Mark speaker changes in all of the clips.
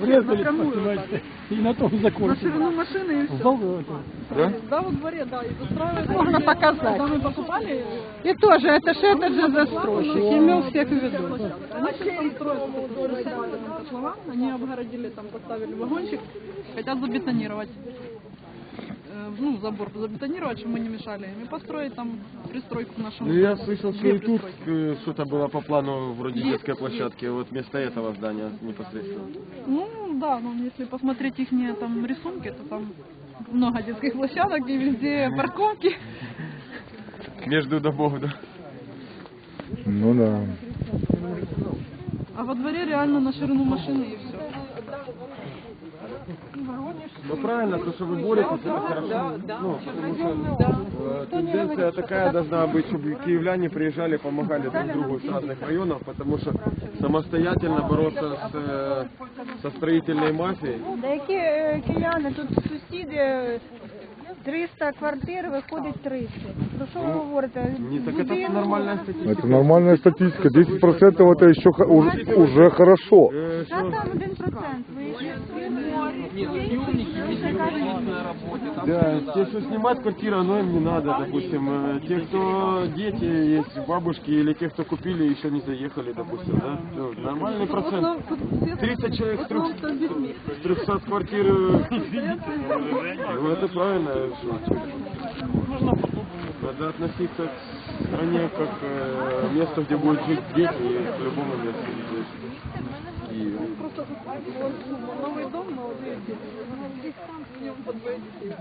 Speaker 1: врезались, понимаете, и на том закончили.
Speaker 2: На ширину машины и все.
Speaker 3: Да?
Speaker 2: Да, во дворе, да, и застраивают.
Speaker 4: Можно показать.
Speaker 2: Когда мы покупали,
Speaker 4: И тоже, это же этот же застройщик, имел всех в виду.
Speaker 2: они сейчас там строят котлован, они обгородили, там поставили вагончик, хотят забетонировать. Ну, забор забетонировать, чтобы мы не мешали им, и построить там пристройку к нашему.
Speaker 3: Ну, я слышал, что
Speaker 2: Две
Speaker 3: и тут
Speaker 2: пристройки.
Speaker 3: что-то было по плану вроде
Speaker 2: Есть,
Speaker 3: детской площадки, вот вместо этого здания непосредственно.
Speaker 2: Ну, да, но если посмотреть их там рисунки, то там много детских площадок и везде парковки.
Speaker 3: Между домов, да.
Speaker 5: Ну да.
Speaker 2: А во дворе реально на ширину машины и все.
Speaker 3: Ну правильно, то, что вы боретесь, это хорошо. Ну, потому что тенденция такая должна быть, чтобы киевляне приезжали, помогали друг другу с разных районов, потому что самостоятельно бороться со строительной мафией.
Speaker 4: Да які кияни, тут сусіди 300 квартир, виходить 30. Про що ви говорите?
Speaker 3: Не, так это нормальная статистика.
Speaker 5: Это нормальная статистика. 10% это еще уже хорошо.
Speaker 4: Та там 1%. Ви
Speaker 3: Да, те, что снимать квартиру, но им не надо, допустим. Те, кто дети есть, бабушки, или те, кто купили, еще не заехали, допустим, да? Ну, нормальный процент. 30 человек с 300 квартир. Ну, это правильно. Надо относиться к стране как место, где будут жить дети, и к любому месту здесь. И...
Speaker 2: Просто новый дом, молодые дети. В нем по двое детей.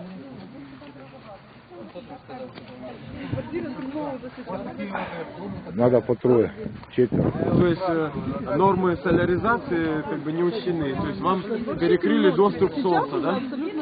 Speaker 2: Квартиры другого уже сейчас.
Speaker 5: Надо по трое, четверо.
Speaker 3: То есть нормы соляризации как бы не учтены. То есть вам перекрыли доступ солнца, да?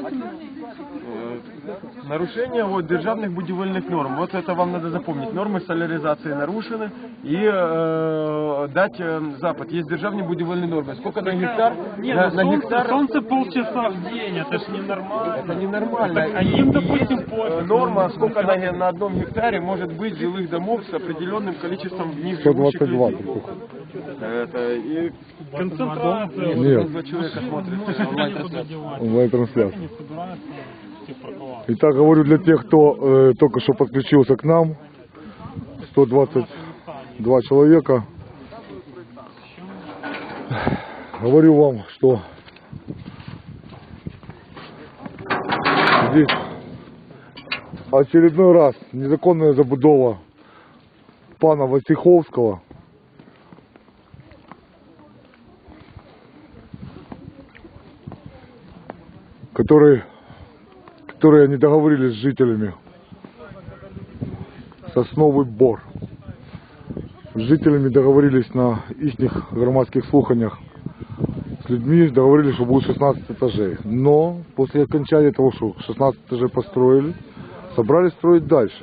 Speaker 3: Нарушение вот державных будивельных норм. Вот это вам надо запомнить. Нормы соляризации нарушены. И дать запад. Есть державные будивельные нормы. Сколько на гектар? На гектар.
Speaker 1: Солнце полчаса в день, это ж ненормально.
Speaker 3: Это ненормально.
Speaker 1: А им, допустим, пофиг.
Speaker 3: Норма, сколько на одном гектаре может быть жилых домов с определенным количеством в них живущих
Speaker 5: 122.
Speaker 3: людей. Это и
Speaker 1: Концентрация.
Speaker 5: Нет.
Speaker 3: два человека смотрят онлайн-трансляцию.
Speaker 5: Онлайн-трансляция.
Speaker 1: Не собираются все парковаться.
Speaker 5: Итак, говорю для тех, кто только что подключился к нам. 122 человека. Говорю вам, что здесь очередной раз незаконная забудова пана Войцеховского. Которые они договорились с жителями. Сосновый Бор. С жителями договорились на их громадских слуханиях. С людьми договорились, что будет 16 этажей. Но после окончания того, что 16 этажей построили, собрались строить дальше.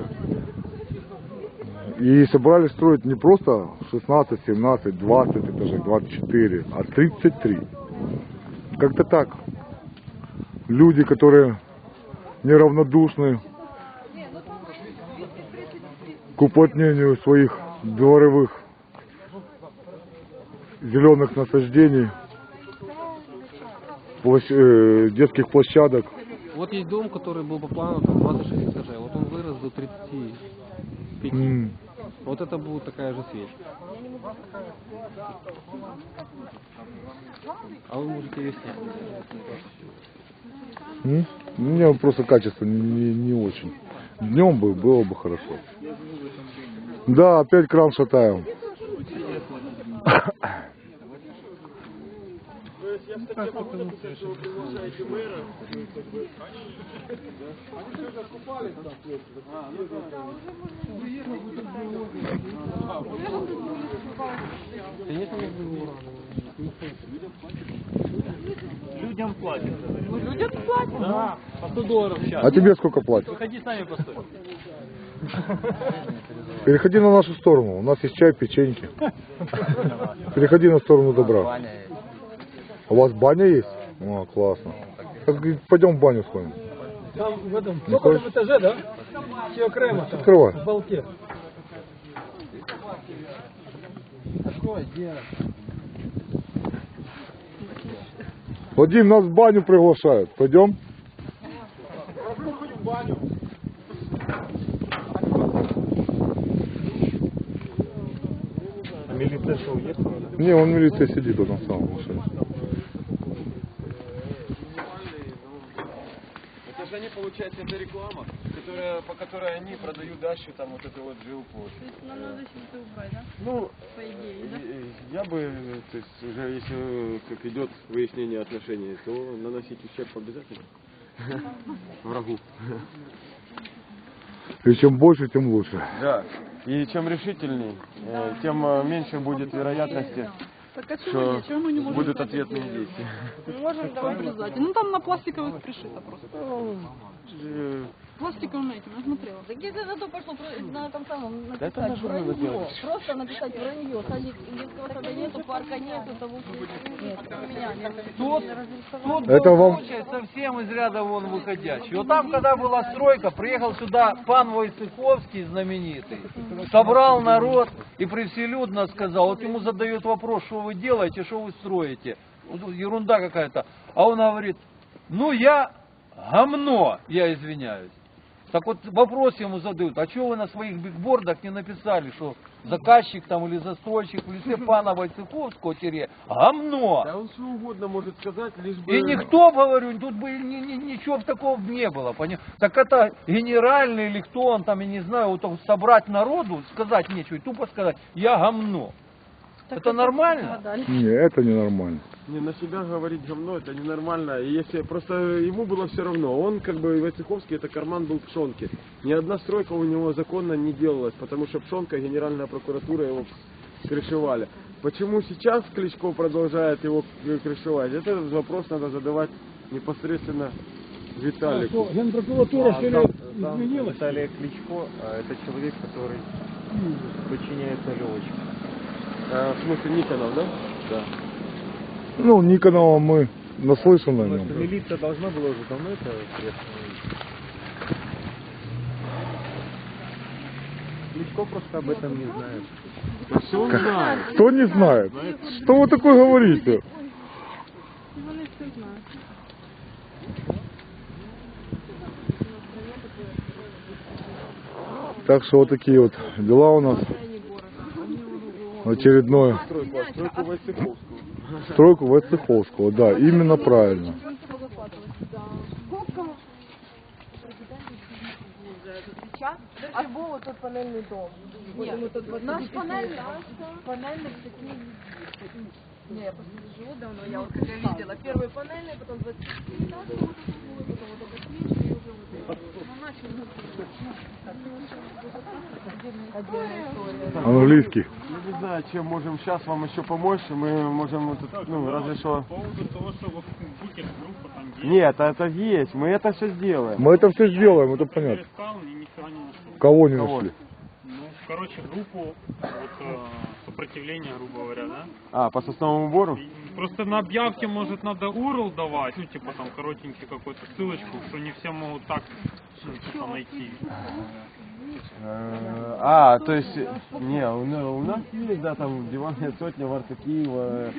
Speaker 5: И собрались строить не просто 16, 17, 20 этажей, 24, а 33. Как-то так. Люди, которые неравнодушны к уплотнению своих дворовых зеленых насаждений, детских площадок.
Speaker 6: Вот есть дом, который был по плану там 26 этажей, вот он вырос до 35. Вот это будет такая же свечка. А вы можете ее снять.
Speaker 5: Мне просто качество не очень. Днем было бы хорошо. Да, опять кран шатаем.
Speaker 1: Людям платят.
Speaker 2: Людям платят.
Speaker 1: Да, по 100 долларов в час.
Speaker 5: А тебе сколько платят?
Speaker 1: Выходи с нами постой.
Speaker 5: Переходи на нашу сторону. У нас есть чай, печеньки. Переходи на сторону добра. У вас баня есть? О, классно. Пойдем в баню сходим.
Speaker 1: Там в этом,
Speaker 5: Не хочешь?
Speaker 1: в этаже, да? Все окремо там.
Speaker 5: Открывай.
Speaker 1: В балке.
Speaker 5: Вадим, нас в баню приглашают. Пойдем?
Speaker 3: А милиция что, уехала?
Speaker 5: Не, он в милиции сидит вот на самом машине.
Speaker 3: Это же они, получается, это реклама, по которой они продают дальше там вот эту вот жилку.
Speaker 2: То есть нам надо сейчас это убрать, да?
Speaker 3: Ну,
Speaker 2: По идее, да?
Speaker 3: я бы, то есть уже если как идет выяснение отношений, то наносить ущерб обязательно врагу.
Speaker 5: И чем больше, тем лучше.
Speaker 3: Да. И чем решительней, тем меньше будет вероятности,
Speaker 2: Так а чего
Speaker 3: что
Speaker 2: нет? Чего мы не можем
Speaker 3: будут
Speaker 2: сделать?
Speaker 3: ответные действия.
Speaker 2: Мы можем там обрезать. Ну там на пластиковых пришито просто. Пластиковым этим, я смотрела.
Speaker 7: Так если зато пошло на этом самом
Speaker 3: Да это
Speaker 7: написать
Speaker 3: наше надо
Speaker 7: вранье,
Speaker 3: делать.
Speaker 7: просто написать вранье, детского сада нету, парка нету, того меня
Speaker 5: Это вам...
Speaker 1: Случай совсем из ряда вон выходящий. Вот там, когда была стройка, приехал сюда пан Войцеховский знаменитый, собрал народ и превселюдно сказал, вот ему задают вопрос, что вы делаете, что вы строите. Вот тут ерунда какая-то. А он говорит, ну я гомно, я извиняюсь. Так вот вопрос ему задают, а что вы на своих бигбордах не написали, что заказчик там или застройщик в лице пана Войцеховского гомно.
Speaker 3: Да он что угодно может сказать, лишь бы...
Speaker 1: И никто, говорю, тут бы ничего такого не было. Так это генеральный или кто он там, я не знаю, вот так собрать народу, сказать нечего, и тупо сказать, я гомно. Это нормально?
Speaker 5: Не, это ненормально.
Speaker 3: Не, на себя говорить говно, это ненормально. И если просто ему было все равно, он как бы Войцеховский, это карман был Пшонки. Ни одна стройка у него законно не делалась, потому что Пшонка, Генеральная прокуратура его крышевали. Почему сейчас Кличко продолжает его крышевать? Этот вопрос надо задавать непосредственно Виталику.
Speaker 1: Генпрокуратура что ли изменилась?
Speaker 6: Виталий Кличко, это человек, который подчиняется Левочке.
Speaker 3: В смысле Никонов, да? Да.
Speaker 5: Ну, Никонова мы наслышаны о нем.
Speaker 6: Милиция должна была уже давно это известно. Кличко просто об этом не знает.
Speaker 3: Да все он знает.
Speaker 5: Кто не знает? Что вы такое говорите?
Speaker 2: Вони все знають.
Speaker 5: Так что вот такие вот дела у нас. Очередное.
Speaker 3: Стройку Войцеховского.
Speaker 5: Стройку Войцеховского, да, именно правильно.
Speaker 7: Альбо вот тот панельный дом. Наш панельный такие... Не, я просто живу давно, я вот как я видела. Первый панельный, потом 24 этажи, потом вот эта свечка и уже вот это.
Speaker 5: Английский.
Speaker 3: Я не знаю, чем можем сейчас вам еще помочь. Мы можем, вот, ну, разве что...
Speaker 8: По поводу того, что вот группа там есть.
Speaker 3: Нет, это есть, мы это все сделаем.
Speaker 5: Мы это все сделаем, это понятно.
Speaker 8: Искал, нифига не нашел.
Speaker 5: Кого не
Speaker 3: Кого?
Speaker 5: нашли?
Speaker 8: Ну, короче, группу вот, сопротивления, грубо говоря, да?
Speaker 3: А, по сосновому бору?
Speaker 8: И просто на объявке, может, надо URL давать, ну, типа там коротенький какую-то ссылочку, что не все могут так, ну, типа, найти.
Speaker 3: А, то есть, не, у нас есть, да, там диванная сотня, Варта Киева.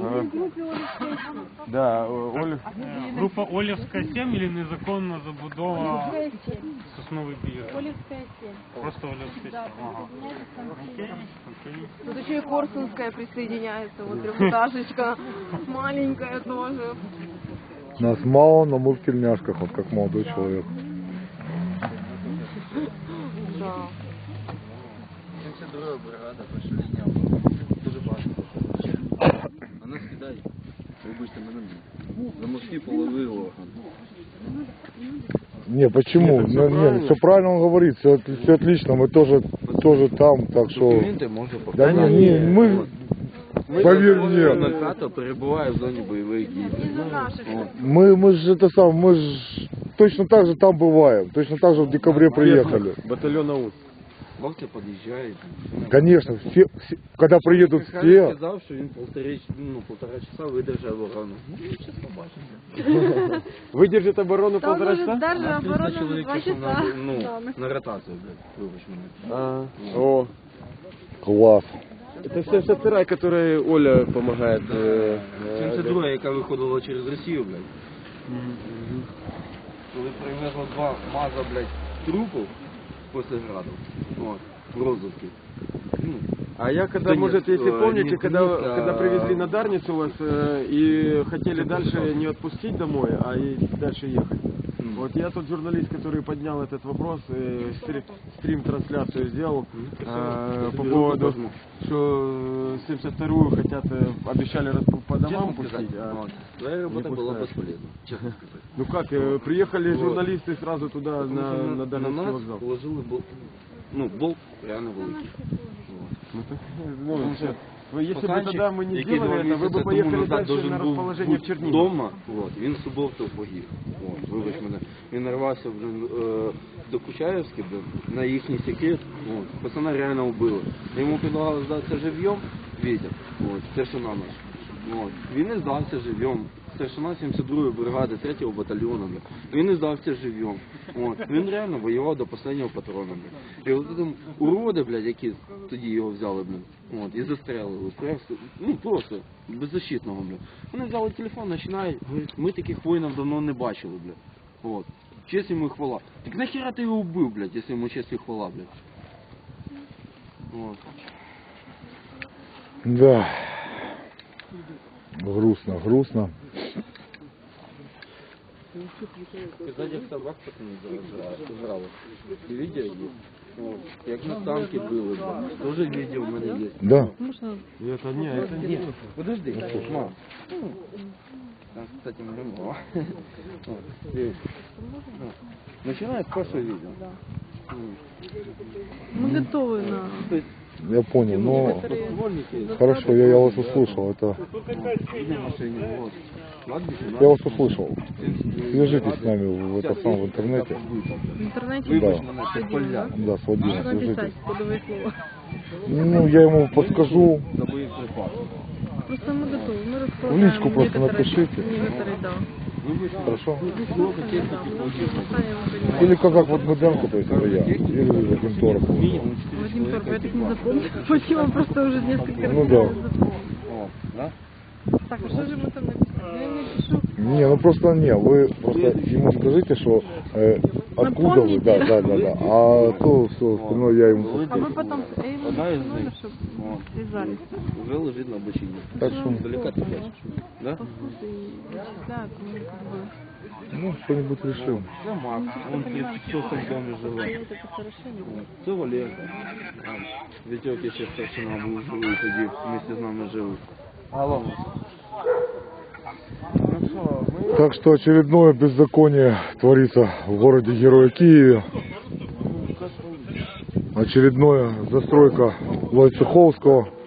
Speaker 3: Да, Оля.
Speaker 8: Группа Олівська 7 или незаконна забудова Сосновий Бір?
Speaker 7: Олевская 7.
Speaker 8: Просто Олівська 7. Ага. Окей, окей.
Speaker 7: Тут еще и Корсунская присоединяется, вот трехэтажечка, маленькая тоже.
Speaker 5: Нас мало, но мы в тельняшках, вот как молодой человек.
Speaker 7: Да.
Speaker 9: А нас кидають, вибачте мене, за морські полови орган.
Speaker 5: Не, почему? Не, все правильно он говорит, все отлично, мы тоже там, так что...
Speaker 9: Документи можна
Speaker 5: Да
Speaker 9: показати.
Speaker 5: не, мы... Поверь мне,
Speaker 9: Накато перебуває в зоні бойових дій.
Speaker 5: мы же это сам, мы же точно так же там бываем, точно так же в декабре приехали.
Speaker 3: Батальон АУС.
Speaker 9: Хлопці під'їжджають.
Speaker 5: Конечно, когда приедут все,
Speaker 9: Сказав, що він полтора часа видержав оборону. Ну, зараз побачимо.
Speaker 3: Выдержит оборону
Speaker 7: Там
Speaker 3: полтора
Speaker 7: может
Speaker 3: часа?
Speaker 7: даже
Speaker 9: Нас 300
Speaker 7: оборона
Speaker 9: чоловік
Speaker 7: 2
Speaker 9: пішов
Speaker 7: часа.
Speaker 9: на ротацію, блядь, вибач мене.
Speaker 3: О,
Speaker 5: класс.
Speaker 3: Это 72-я, которой Оля помогает.
Speaker 9: 72, яка виходила через Росію, блядь. Коли привезли 2 МАЗа, блядь, трупів після граду. От, в розвитку. Ну,
Speaker 3: А я когда,
Speaker 9: Да нет,
Speaker 3: может, если помните,
Speaker 9: не
Speaker 3: когда,
Speaker 9: Денис, а-
Speaker 3: когда привезли на Дарницу вас и хотели дальше не отпустить домой, а и дальше ехать. Вот я тот журналист, который поднял этот вопрос, стрим-трансляцию сделал по поводу, что 72-ю хотят, обещали по домам пустить. А
Speaker 9: твоя
Speaker 3: не
Speaker 9: робота була
Speaker 3: пускают.
Speaker 9: безполезна, чесно сказати.
Speaker 3: Ну как, приехали
Speaker 9: Вот.
Speaker 3: журналисты сразу туда,
Speaker 9: Тому що
Speaker 3: на
Speaker 9: на
Speaker 3: Дарницкий
Speaker 9: нас
Speaker 3: вокзал.
Speaker 9: положили болт реально великий.
Speaker 3: Ну, так, ну, если бы
Speaker 9: Пацанчик,
Speaker 3: тогда мы не
Speaker 9: який
Speaker 3: сделали
Speaker 9: 2
Speaker 3: это, вы
Speaker 9: місяці
Speaker 3: бы
Speaker 9: тому
Speaker 3: поехали
Speaker 9: назад
Speaker 3: дальше
Speaker 9: должен
Speaker 3: на
Speaker 9: був
Speaker 3: расположение в
Speaker 9: бути
Speaker 3: Чернигово.
Speaker 9: вдома, от, він суботу погиб. От, вибач мене. Він нарвався блин, до Кучаєвська, блин, на їхній секрет. От, пацана реально вбили. Йому предлагали здатися живьом, Вітя, от, старшина наш. От, він не здався живьом. Старшина 72-ї бригади 3-го батальйону. Блин. Він не здався живьом. От, він реально воював до останнього патрона. Блин. І от там уроди, блядь, які тоді його взяли, блин, от, і застрелили. Ну просто беззащитного, блядь. Вони взяли телефон, починають, говорять, ми таких воїнів давно не бачили, блядь. От. Честь йому і хвала. Так нахера ти його вбив, блядь, якщо йому честь і хвала, блядь. От.
Speaker 5: Да. Грустно, грустно.
Speaker 9: Сказать, як собак пацани зажрали. І відео є. От. Як на танки били, блядь. Тоже відео в мене є.
Speaker 5: Да.
Speaker 3: И это не, это не.
Speaker 9: Подожди, мам. Там, кстати, мама. Начинает с первого видео.
Speaker 2: Мы готовы на...
Speaker 9: То есть,
Speaker 5: Я понял, но
Speaker 9: ствольники,
Speaker 5: хорошо, я вас услышал. Это
Speaker 9: на машине, вот. Кладбище,
Speaker 5: я вас услышал. Свяжитесь с нами в это самое в интернете.
Speaker 2: В интернете
Speaker 9: Вибач
Speaker 5: Да.
Speaker 9: мене, це поля.
Speaker 5: Да, с Владимиром
Speaker 2: можно
Speaker 5: свяжитесь.
Speaker 2: написать кодовое слово.
Speaker 5: Ну, я ему подскажу.
Speaker 9: За боєприпаси.
Speaker 2: Просто мы готовы, мы
Speaker 5: В
Speaker 2: располагаем
Speaker 5: личку просто
Speaker 2: некоторые,
Speaker 5: напишите.
Speaker 2: некоторые, да.
Speaker 5: Хорошо?
Speaker 9: Сколько техники получилось?
Speaker 2: Сами вы понимаете.
Speaker 5: Или казак Вадмеденко, то есть это я. Или Вадим Торов.
Speaker 9: Минимум 4
Speaker 2: Вадим Торп, я
Speaker 9: человека.
Speaker 2: так не запомнила. Вадима просто уже несколько раз
Speaker 5: Ну да.
Speaker 2: запомнила.
Speaker 9: О, да?
Speaker 2: Так, а что же мы там написали? Я не пишу.
Speaker 5: Не, ну просто не, вы просто ему скажите, что откуда вы, да, да, да, да. А то все остальное я ему
Speaker 2: А вы потом ему
Speaker 9: Одна из
Speaker 2: номер,
Speaker 9: них.
Speaker 2: чтобы
Speaker 9: Вот.
Speaker 2: связались.
Speaker 9: Уже лежит на обочине.
Speaker 5: Так что,
Speaker 9: Далеко ты бачишь? Да?
Speaker 2: Послушай, и вычисляют, ну, как бы...
Speaker 5: ну, что-нибудь решим.
Speaker 9: Це Макс, он тут в цьому домі живе.
Speaker 2: Вот это хорошо.
Speaker 9: Це Олег. Вітьок ще старшина був живий тоді, вместе з нами жив. Алло.
Speaker 5: Так что очередное беззаконие творится в городе Героя Киеве. Очередная застройка Войцеховского.